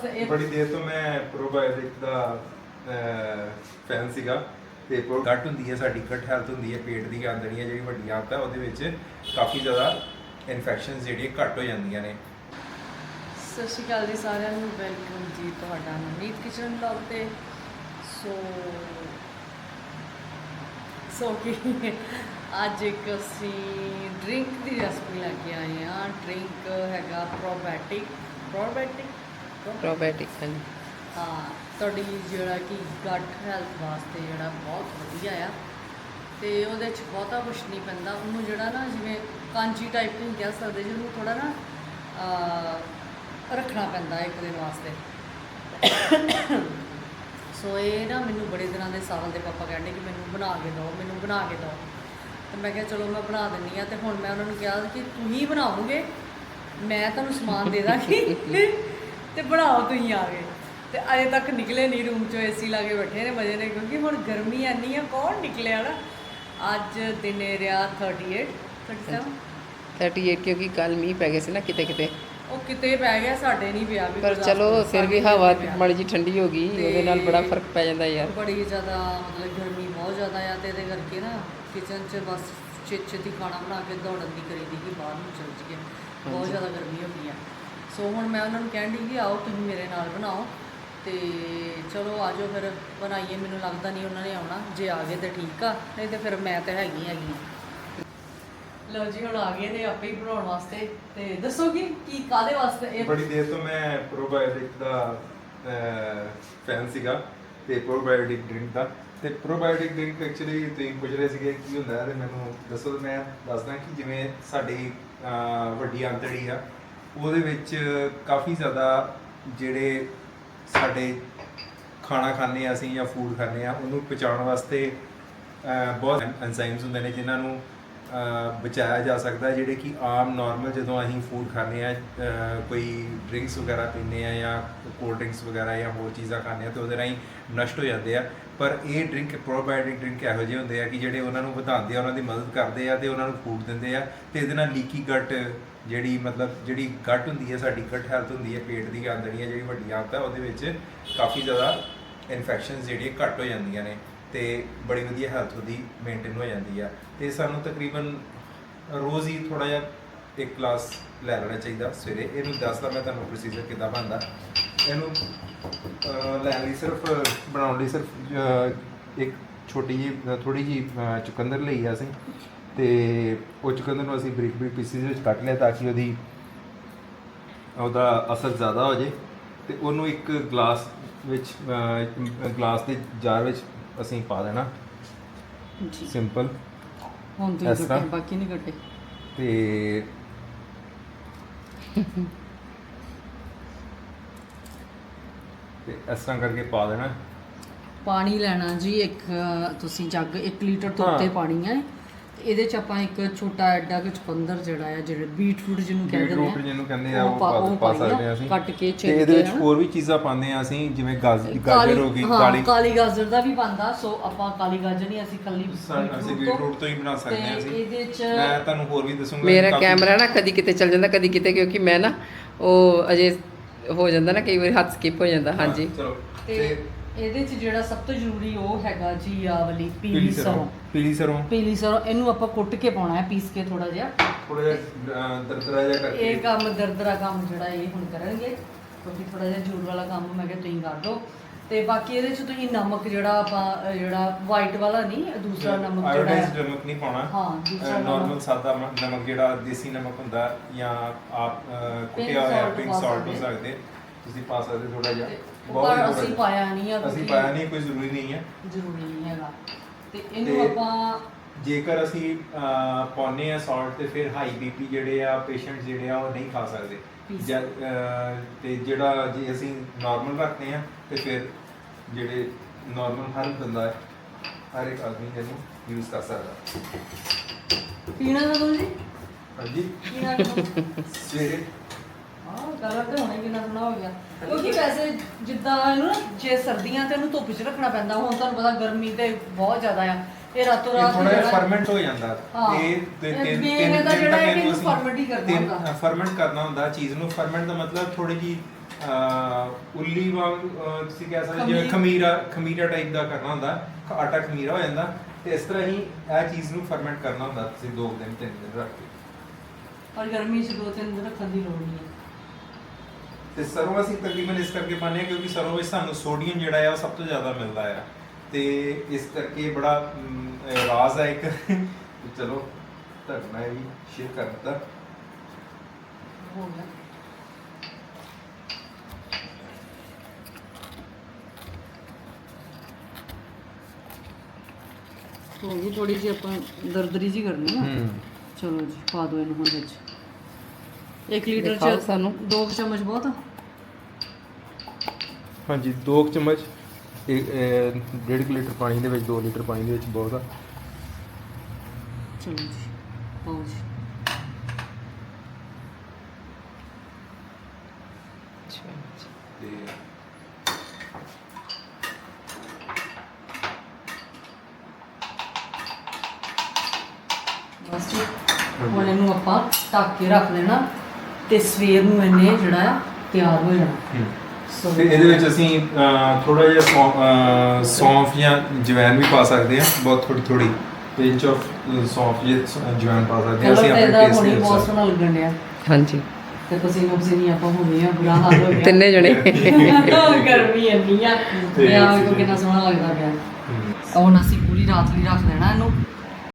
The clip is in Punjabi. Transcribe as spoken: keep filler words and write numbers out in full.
ਵਾਸਤੇ ਇਹ ਬੜੀ ਦੇਰ ਤੋਂ ਮੈਂ ਪ੍ਰੋਬਾਇਓਟਿਕ ਦਾ ਫੈਨ ਸੀਗਾ ਤੇ ਗੱਟ ਹੁੰਦੀ ਹੈ ਸਾਡੀ ਗੱਟ ਹੈਲਥ ਹੁੰਦੀ ਹੈ ਪੇਟ ਦੀ ਆਂਦੜੀਆਂ ਜਿਹੜੀ ਵੱਡੀਆਂ ਆਦਤਾਂ ਉਹਦੇ ਵਿੱਚ ਕਾਫੀ ਜ਼ਿਆਦਾ ਇਨਫੈਕਸ਼ਨਸ ਜਿਹੜੀਆਂ ਘੱਟ ਹੋ ਜਾਂਦੀਆਂ ਨੇ। ਸਤਿ ਸ਼੍ਰੀ ਅਕਾਲ ਜੀ ਸਾਰਿਆਂ ਨੂੰ, ਵੈਲਕਮ ਜੀ ਤੁਹਾਡਾ ਮਨੀਤ ਕਿਚਨ ਬਲੌਗ ਤੇ। ਸੋ ਸੋ ਕੀ ਅੱਜ ਇੱਕ ਅਸੀਂ ਡਰਿੰਕ ਦੀ ਰੈਸਪੀ ਲੈ ਕੇ ਆਏ ਹਾਂ। ਡਰਿੰਕ ਹੈਗਾ ਪ੍ਰੋਬਾਇਓਟਿਕ ਪ੍ਰੋਬਾਇਓਟਿਕ ਪ੍ਰੋਬਾਇਓਟਿਕ ਹਾਂਜੀ ਹਾਂ, ਤੁਹਾਡੀ ਜਿਹੜਾ ਕਿ ਗੱਟ ਹੈਲਥ ਵਾਸਤੇ ਜਿਹੜਾ ਬਹੁਤ ਵਧੀਆ ਆ ਤੇ ਉਹਦੇ 'ਚ ਬਹੁਤਾ ਕੁਛ ਨਹੀਂ ਪੈਂਦਾ। ਉਹਨੂੰ ਜਿਹੜਾ ਨਾ ਜਿਵੇਂ ਕਾਂਜੀ ਟਾਈਪ ਨਹੀਂ ਕਹਿ ਸਕਦੇ, ਜਿਹਨੂੰ ਥੋੜਾ ਨਾ ਅਹ, ਰੱਖਣਾ ਪੈਂਦਾ ਇੱਕ ਦਿਨ ਵਾਸਤੇ। ਸੋ ਇਹ ਨਾ ਮੈਨੂੰ ਬੜੇ ਦਿਨਾਂ ਦੇ ਸਾਵਲ ਦੇ ਪਾਪਾ ਕਹਿੰਦੇ ਕਿ ਮੈਨੂੰ ਬਣਾ ਕੇ ਦਿਓ ਮੈਨੂੰ ਬਣਾ ਕੇ ਦਿਓ ਤੇ ਮੈਂ ਕਿਹਾ ਚਲੋ ਮੈਂ ਬਣਾ ਦਿੰਦੀ ਹਾਂ। ਤੇ ਹੁਣ ਮੈਂ ਉਹਨਾਂ ਨੂੰ ਕਿਹਾ ਕਿ ਤੁਸੀਂ ਬਣਾਓਗੇ, ਮੈਂ ਤੁਹਾਨੂੰ ਸਮਾਨ ਦੇ ਦਾਂਗੀ ਤੇ ਬਣਾਓ ਤੁਸੀਂ ਆ ਕੇ। ਤੇ ਅਜੇ ਤੱਕ ਨਿਕਲੇ ਨਹੀਂ ਰੂਮ 'ਚੋਂ, ਏਸੀ ਲਾ ਕੇ ਬੈਠੇ ਨੇ ਮਜ਼ੇ ਨੇ, ਕਿਉਂਕਿ ਹੁਣ ਗਰਮੀ ਇੰਨੀ ਆ ਕੌਣ ਨਿਕਲਿਆ ਨਾ। ਅੱਜ ਦਿਨੇ ਰਿਹਾ thirty eight thirty seven thirty eight ਕਿਉਂਕਿ ਕੱਲ ਮੀਂਹ ਪੈ ਗਿਆ ਸੀ ਨਾ ਕਿਤੇ ਕਿਤੇ, ਉਹ ਕਿਤੇ ਪੈ ਗਿਆ, ਸਾਡੇ ਨਹੀਂ ਪਿਆ ਵੀ। ਪਰ ਚਲੋ ਫਿਰ ਵੀ ਹਵਾ ਮਾੜੀ ਜੀ ਠੰਡੀ ਹੋ ਗਈ, ਉਹਦੇ ਨਾਲ ਬੜਾ ਫਰਕ ਪੈ ਜਾਂਦਾ ਯਾਰ। ਬੜੀ ਜ਼ਿਆਦਾ ਮਤਲਬ ਗਰਮੀ ਬਹੁਤ ਜ਼ਿਆਦਾ ਆ ਤੇ ਇਹਦੇ ਕਰਕੇ ਨਾ ਕਿਚਨ 'ਚ ਬਸ ਛੇਤੀ ਛੇਤੀ ਖਾਣਾ ਬਣਾ ਕੇ ਦੌੜਨ ਦੀ ਕਰੀਦੀ ਕਿ ਬਾਹਰ ਨੂੰ ਚੱਲ ਜੀਏ, ਬਹੁਤ ਜ਼ਿਆਦਾ ਗਰਮੀ ਹੋ ਗਈ ਆ। ਸੋ ਹੁਣ ਮੈਂ ਉਹਨਾਂ ਨੂੰ ਕਹਿਣ ਡਈ ਕਿ ਆਓ ਤੁਸੀਂ ਮੇਰੇ ਨਾਲ ਬਣਾਓ ਤੇ ਚਲੋ ਆ ਜਾਓ ਫਿਰ ਬਣਾਈਏ। ਮੈਨੂੰ ਲੱਗਦਾ ਨਹੀਂ ਉਹਨਾਂ ਨੇ ਆਉਣਾ, ਜੇ ਆ ਗਏ ਤਾਂ ਠੀਕ ਆ, ਨਹੀਂ ਤਾਂ ਫਿਰ ਮੈਂ ਤਾਂ ਹੈਗੀ ਹੈਗੀ ਹਾਂ। ਲਓ ਜੀ ਹੁਣ ਆ ਗਏ ਨੇ ਆਪੇ ਹੀ ਬਣਾਉਣ ਵਾਸਤੇ। ਤੇ ਦੱਸੋ ਕਿ ਕੀ ਕਾਹਦੇ ਵਾਸਤੇ ਇਹ ਬੜੀ ਦੇਰ ਤੋਂ ਮੈਂ ਪ੍ਰੋਬਾਇਓਟਿਕ ਦਾ ਫੈਨ ਸੀਗਾ ਤੇ ਪ੍ਰੋਬਾਇਓਟਿਕ ਡਰਿੰਕ ਦਾ। ਤੇ ਪ੍ਰੋਬਾਇਓਟਿਕ ਡਰਿੰਕ ਐਕਚੁਅਲੀ ਤੁਸੀਂ ਪੁੱਛ ਰਹੇ ਸੀਗੇ ਕੀ ਹੁੰਦਾ ਹੈ ਤੇ ਮੈਨੂੰ ਦੱਸੋ। ਮੈਂ ਦੱਸਦਾ ਕਿ ਜਿਵੇਂ ਸਾਡੀ ਅਹ, ਵੱਡੀ ਆਂਤੜੀ ਆ ਉਹਦੇ ਵਿੱਚ ਕਾਫੀ ਜ਼ਿਆਦਾ ਜਿਹੜੇ ਸਾਡੇ ਖਾਣਾ ਖਾਂਦੇ ਹਾਂ ਅਸੀਂ ਜਾਂ ਫੂਡ ਖਾਂਦੇ ਹਾਂ ਉਹਨੂੰ ਪਚਾਉਣ ਵਾਸਤੇ ਅਹ, ਬਹੁਤ ਐਂਜ਼ਾਈਮਸ ਹੁੰਦੇ ਨੇ ਜਿਨ੍ਹਾਂ ਨੂੰ ਅਹ, ਬਚਾਇਆ ਜਾ ਸਕਦਾ ਹੈ, ਜਿਹੜੇ ਕਿ ਆਮ ਨਾਰਮਲ ਜਦੋਂ ਅਸੀਂ ਫੂਡ ਖਾਂਦੇ ਹਾਂ ਕੋਈ ਡਰਿੰਕਸ ਵਗੈਰਾ ਪੀਂਦੇ ਹਾਂ ਜਾਂ ਕੋਲਡ ਡਰਿੰਕਸ ਵਗੈਰਾ ਜਾਂ ਹੋਰ ਚੀਜ਼ਾਂ ਖਾਂਦੇ ਹਾਂ ਤਾਂ ਉਹਦੇ ਰਾਹੀਂ ਨਸ਼ਟ ਹੋ ਜਾਂਦੇ ਆ। ਪਰ ਇਹ ਡਰਿੰਕ ਪ੍ਰੋਬਾਇਓਟਿਕ ਡਰਿੰਕ ਇਹੋ ਜਿਹੇ ਹੁੰਦੇ ਆ ਕਿ ਜਿਹੜੇ ਉਹਨਾਂ ਨੂੰ ਵਧਾਉਂਦੇ ਆ, ਉਹਨਾਂ ਦੀ ਮਦਦ ਕਰਦੇ ਆ ਤੇ ਉਹਨਾਂ ਨੂੰ ਫੂਡ ਦਿੰਦੇ ਆ ਤੇ ਇਹਦੇ ਨਾਲ ਲੀਕੀ ਗੱਟ ਜਿਹੜੀ ਮਤਲਬ ਜਿਹੜੀ ਗੱਟ ਹੁੰਦੀ ਹੈ ਸਾਡੀ ਗੱਟ ਹੈਲਥ ਹੁੰਦੀ ਹੈ ਪੇਟ ਦੀ ਆਂਦੜੀਆਂ ਜਿਹੜੀ ਵੱਡੀਆਂ ਆਦਤਾਂ ਉਹਦੇ ਵਿੱਚ ਕਾਫੀ ਜ਼ਿਆਦਾ ਇਨਫੈਕਸ਼ਨਸ ਜਿਹੜੀਆਂ ਘੱਟ ਹੋ ਜਾਂਦੀਆਂ ਨੇ ਤੇ ਬੜੀ ਵਧੀਆ ਹੈਲਥ ਉਹਦੀ ਮੇਨਟੇਨ ਹੋ ਜਾਂਦੀ ਆ। ਤੇ ਸਾਨੂੰ ਤਕਰੀਬਨ ਰੋਜ਼ ਹੀ ਥੋੜਾ ਜਿਹਾ ਇੱਕ ਗਲਾਸ ਲੈ ਲੈਣਾ ਚਾਹੀਦਾ ਸਵੇਰੇ। ਇਹਨੂੰ ਦੱਸਦਾ ਮੈਂ ਤੁਹਾਨੂੰ ਪ੍ਰੋਸੀਜਰ ਕਿੱਦਾਂ ਬਣਦਾ। ਇਹਨੂੰ ਲੈਣ ਲਈ ਸਿਰਫ ਬਣਾਉਣ ਲਈ ਸਿਰਫ ਅਹ, ਇੱਕ ਛੋਟੀ ਜਿਹੀ ਥੋੜੀ ਜਿਹੀ ਚੁਕੰਦਰ ਲਈ ਆ ਅਸੀਂ ਤੇ ਉਹ ਚੁਕੰਦਰ ਨੂੰ ਅਸੀਂ ਬਰੀਕ ਬਰੀਕ ਪੀਸਿਸ ਵਿੱਚ ਕੱਟ ਲਿਆ ਤਾਂ ਕਿ ਉਹਦੀ ਉਹਦਾ ਅਸਰ ਜ਼ਿਆਦਾ ਹੋ ਜੇ। ਤੇ ਉਹਨੂੰ ਇੱਕ ਗਲਾਸ ਵਿੱਚ ਗਲਾਸ ਦੇ ਜਾਰ ਵਿੱਚ ਅਸੀਂ ਪਾ ਦੇਣਾ ਜੀ ਸਿੰਪਲ ਹੁਣ ਇਸ ਤੁਸੀਂ ਤਰ੍ਹਾਂ। ਕੱਟੇ ਬਾਕੀ ਨਹੀਂ ਕੱਟੇ ਤੇ ਤੇ ਇਸ ਤਰ੍ਹਾਂ ਕਰਕੇ ਪਾ ਦੇਣਾ। ਪਾਣੀ ਲੈਣਾ ਜੀ ਇੱਕ ਤੁਸੀਂ ਜੱਗ ਇੱਕ ਲੀਟਰ ਤੋਂ ਹਾਂ। ਉੱਤੇ ਪਾਣੀ ਹੈ। ਤੇ ਇਹਦੇ ਚ ਆਪਾਂ ਇੱਕ ਛੋਟਾ ਐਡਾ ਕੁ ਚੁਕੰਦਰ ਜਿਹੜਾ ਆ ਜਿਹੜੇ ਬੀਟਰੂਟ ਜਿਹਨੂੰ ਕਹਿੰਦੇ ਬੀਟਰੂਟ ਨੇ ਜਿਹਨੂੰ ਕਹਿੰਦੇ ਆ ਉਹ ਉਹ ਪਾ- ਪਾ ਉਹ ਪਾ ਪਾਈ ਆ, ਸਕਦੇ ਆ ਅਸੀਂ। ਕੱਟ ਕੇ ਤੇ ਛਿੱਲ ਇਹਦੇ ਕੇ ਵਿੱਚ ਹਨਾ। ਹੋਰ ਵੀ ਚੀਜ਼ਾਂ ਪਾਉਂਦੇ ਆ ਅਸੀਂ ਜਿਵੇਂ ਗਾਜ- ਕਾਲੀ- ਗਾਜਰ ਹੋ ਗਈ, ਹਾਂ, ਕਾਲੀ ਕਾਲੀ ਗਾਜਰ ਦਾ ਵੀ ਪਾਉਂਦਾ। ਸੋ ਆਪਾਂ ਕਾਲੀ ਗਾਜਰ ਨਹੀਂ, ਅਸੀਂ ਕੱਲੀ ਅਸੀਂ ਬੀਟਰੂਟ ਤੋਂ ਹੀ ਬਣਾ ਸਕਦੇ ਆ ਤੇ ਅਸੀਂ। ਇਹਦੇ ਚ ਮੈਂ ਤੁਹਾਨੂੰ ਹੋਰ ਵੀ ਦੱਸੂਗਾ। ਮੇਰਾ ਕਾਫੀ- ਕੈਮਰਾ ਨਾ ਕਦੀ ਕਿਤੇ ਚੱਲ ਜਾਂਦਾ ਕਦੀ ਕਿਤੇ, ਕਿਉਂਕਿ ਮੈਂ ਨਾ ਉਹ ਅਜੇ ਹੋ ਜਾਂਦਾ ਨਾ ਕਈ ਵਾਰੀ ਹੱਥ ਸਕਿਪ ਹੋ ਜਾਂਦਾ। ਹਾਂਜੀ ਚਲੋ ਤੇ ਤੇ ਇਹਦੇ ਚ ਜਿਹੜਾ ਸਭ ਤੋਂ ਜ਼ਰੂਰੀ ਉਹ ਹੈਗਾ ਜੀ ਆ ਵਾਲੀ ਪੀਲੀ ਪੀਲੀ ਸਰੋਂ ਸਰੋਂ। ਪੀਲੀ ਸਰੋਂ ਪੀਲੀ ਸਰੋਂ ਇਹਨੂੰ ਆਪਾਂ ਕੁੱਟ ਕੇ ਪਾਉਣਾ ਹੈ, ਪੀਸ ਕੇ ਥੋੜਾ ਜਿਹਾ। ਥੋੜਾ ਜਿਹਾ ਅਹ, ਦਰਦਰਾ ਜਿਹਾ ਕਰਕੇ ਇਹ ਕੰਮ ਦਰਦਰਾ ਕੰਮ ਜਿਹੜਾ ਇਹ ਹੁਣ ਕਰਨਗੇ ਕਿਉਂਕਿ ਥੋੜਾ ਜਿਹਾ ਜ਼ੋਰ ਵਾਲਾ ਕੰਮ ਮੈਂ ਕਿਹਾ ਤੁਸੀਂ ਕਰ ਦਿਓ। ਤੇ ਬਾਕੀ ਇਹਦੇ ਚ ਤੁਸੀਂ ਨਮਕ ਜਿਹੜਾ ਆਪਾਂ ਅਹ, ਜਿਹੜਾ ਵਾਈਟ ਵਾਲਾ ਨਹੀਂ, ਦੂਸਰਾ ਨਮਕ ਜਿਹੜਾ ਆਇਓਡਾਈਜ਼ਡ ਹੈ ਨਮਕ ਨਹੀਂ ਪਾਉਣਾ। ਹਾਂ, ਦੂਸਰਾ ਨਾਰਮਲ ਨਮਕ। ਸਾਦਾ ਮ- ਨਮਕ ਜਿਹੜਾ ਦੇਸੀ ਨਮਕ ਹੁੰਦਾ ਜਾਂ ਆਪ ਅਹ, ਕੁੱਟਿਆ ਹੋਇਆ salt ਪਿੰਕ ਪਾ ਸਾਲਟ ਹੋ ਸਕਦੇ। ਸਕਦੇ ਤੁਸੀਂ ਪਾ ਸਕਦੇ ਥੋੜਾ ਜਿਹਾ। ਤੇ ਬਹੁਤ ਪਰ ਹੀ ਅਸੀਂ ਥੋੜ੍ਹਾ ਪਾਇਆ ਨਹੀਂ ਆ ਜਿਹਾ। ਅਸੀਂ ਕਿਉਂਕਿ ਪਾਇਆ ਨਹੀਂ, ਕੋਈ ਜ਼ਰੂਰੀ ਨਹੀਂ ਹੈ। ਜ਼ਰੂਰੀ ਨਹੀਂ ਹੈਗਾ। ਤੇ ਇਹਨੂੰ ਤੇ ਆਪਾਂ ਜੇਕਰ ਅਸੀਂ ਅਹ, ਪਾਉਂਦੇ ਆ ਸਾਲਟ ਤੇ ਫਿਰ ਹਾਈ ਬੀਪੀ ਜਿਹੜੇ ਆ ਪੇਸ਼ੈਂਟ ਜਿਹੜੇ ਆ ਉਹ ਨਹੀਂ ਖਾ ਸਕਦੇ। ਪੀਸ। ਜਾਂ, ਅਹ, ਤੇ ਜਿਹੜਾ ਜੇ ਅਸੀਂ ਨਾਰਮਲ ਰੱਖਦੇ ਆ ਤੇ ਫਿਰ ਜਿਹੜੇ ਨਾਰਮਲ ਹਰ ਬੰਦਾ ਹੈ ਹਰ ਇੱਕ ਆਦਮੀ ਇਹਨੂੰ ਯੂਜ਼ ਕਰ ਸਕਦਾ। ਪੀਣਾ ਕਦੋਂ ਜੀ? ਹਾਂਜੀ ਪੀਣਾ ਕਦੋਂ? ਸਵੇਰੇ ਹਾਂ, ਕਲਰ ਤੇ ਹੋਣਾ ਹੀ ਕਿੰਨਾ ਸੋਹਣਾ ਹੋ ਗਿਆ। ਕਿਉਂਕਿ ਵੈਸੇ ਜਿੱਦਾਂ ਇਹਨੂੰ ਨਾ ਜੇ ਸਰਦੀਆਂ ਤੇ ਇਹਨੂੰ ਧੁੱਪ 'ਚ ਰੱਖਣਾ ਪੈਂਦਾ, ਹੁਣ ਤੁਹਾਨੂੰ ਪਤਾ ਗਰਮੀ ਤੇ ਬਹੁਤ ਜ਼ਿਆਦਾ ਆ। ਇਹ ਰਾਤੋਂ ਇਹ ਰਾਤ ਥੋੜਾ ਜਿਹਾ ਜਿਹੜਾ- ਫਰਮੈਂਟ ਹੋ ਜਾਂਦਾ। ਹਾਂ। ਇਹ ਤੇ ਇਹ ਤਿੰਨ main ਤਿੰਨ ਇਹਦਾ ਦਿਨ ਜਿਹੜਾ ਤੱਕ ਹੈ ਕਿ ਇਹਨੂੰ ਇਹਨੂੰ ferment ਹੀ ਕਰਨਾ ਹੁੰਦਾ। ਫਰਮੈਂਟ ਕਰਨਾ ਹੁੰਦਾ ਚੀਜ਼ ਨੂੰ। ਫਰਮੈਂਟ ਦਾ ਮਤਲਬ ਥੋੜੀ ਜੀ ਅਹ, ਉੱਲੀ ਵਾਂਗ ਅਹ, ਤੁਸੀਂ ਕਹਿ ਸਕਦੇ ਜਿਵੇਂ ਖਮੀਰ। ਖਮੀਰਾ ਖਮੀਰਾ ਟਾਈਪ ਦਾ ਕਰਨਾ ਹੁੰਦਾ, ਖ- ਆਟਾ ਖਮੀਰਾ ਹੋ ਜਾਂਦਾ। ਤੇ ਇਸ ਤਰ੍ਹਾਂ ਹੀ ਇਹ ਚੀਜ਼ ਨੂੰ ਫਰਮੈਂਟ ਕਰਨਾ ਹੁੰਦਾ ਤੁਸੀਂ ਦੋ ਦਿਨ ਤਿੰਨ ਦਿਨ ਰੱਖ ਕੇ। ਪਰ ਗਰਮੀ 'ਚ ਦੋ ਤਿੰਨ ਦਿਨ ਰੱਖਣ ਦੀ ਲੋੜ ਨਹੀਂ ਹੈ। ਤੇ ਸਰੋਂ ਅਸੀਂ ਤਕਰੀਬਨ ਇਸ ਕਰਕੇ ਪਾਉਂਦੇ ਹਾਂ ਕਿਉਂਕਿ ਸਰੋਂ ਵਿੱਚ ਸਾਨੂੰ ਸੋਡੀਅਮ ਜਿਹੜਾ ਆ ਉਹ ਸਭ ਤੋਂ ਜ਼ਿਆਦਾ ਮਿਲਦਾ ਆ, ਤੇ ਇਸ ਕਰਕੇ ਬੜਾ ਅਮ, ਅਹ, ਰਾਜ਼ ਹੈ ਇੱਕ। ਤੇ ਚਲੋ ਤੁਹਾਡੇ ਨਾਲ ਇਹ ਵੀ ਸ਼ੇਅਰ ਕਰ ਦਿੱਤਾ। ਹੋ ਗਿਆ। ਹੋ ਗਈ ਥੋੜੀ ਜਿਹੀ ਆਪਾਂ ਦਰਦਰੀ ਜੀ ਕਰਨੀ ਆ। ਚਲੋ ਜੀ ਪਾ ਦਿਓ ਇਹਨੂੰ ਹੁਣ ਵਿੱਚ। ਇੱਕ ਲੀਟਰ ਦਿਖਾਓ ਚ ਸਾਨੂੰ। ਦੋ ਕੁ ਚਮਚ ਬਹੁਤ ਆ। ਹਾਂਜੀ, ਦੋ ਕੁ ਚਮਚ ਇੱਕ, ਅਹ, ਡੇਢ ਕੁ ਲੀਟਰ ਪਾਣੀ ਦੇ ਵਿੱਚ ਦੋ ਲੀਟਰ ਪਾਣੀ ਦੇ ਵਿੱਚ ਬਹੁਤ ਆ। ਚਲੋ ਜੀ ਪਾਓ ਜੀ। ਤੇ ਬਸ ਜੀ ਹੁਣ ਇਹਨੂੰ ਆਪਾਂ ਢੱਕ ਕੇ ਰੱਖ ਦੇਣਾ ਤੇ ਸਵੇਰ ਨੂੰ ਇਹਨੇ ਜਿਹੜਾ ਆ ਤਿਆਰ ਹੋ ਜਾਣਾ। ਸੋ ਤੇ ਇਹਦੇ ਵਿੱਚ ਅਸੀਂ ਥੋੜਾ ਜਿਹਾ ਸੌਂ- ਅਹ, ਸੌਂਫ ਜਾਂ ਜਵੈਨ ਵੀ ਪਾ ਸਕਦੇ ਹਾਂ, ਬਹੁਤ ਥੋੜੀ ਥੋੜੀ ਪਿੰਚ ਆਫ ਸੌਂਫ ਜਾਂ ਜਵੈਨ ਪਾ ਸਕਦੇ ਹਾਂ ਕਲਰ ਅਸੀਂ ਤੇ ਆਪਣੇ ਇਹਦਾ ਟੇਸਟ ਹੁਣੇ ਦੇ ਬਹੁਤ ਅਨੁਸਾਰ। ਸੋਹਣਾ ਲੱਗਣ ਡਿਆ ਹਾਂਜੀ ਤੇ ਪਸੀਨੋ ਪਸੀਨੀ ਆਪਾਂ ਹੋ ਗਏ ਆ, ਬੁਰਾ ਹਾਲ ਹੋ ਗਿਆ। ਤਿੰਨੇ ਜਣੇ ਗਰਮੀ ਇੰਨੀ ਆ ਤੇ ਤੇ ਆ ਵੇਖੋ ਕਿੰਨਾ ਸੋਹਣਾ ਲੱਗਦਾ ਪਿਆ। ਹਮ। ਹੁਣ ਅਸੀਂ ਪੂਰੀ ਰਾਤ ਲਈ ਰੱਖ ਦੇਣਾ ਇਹਨੂੰ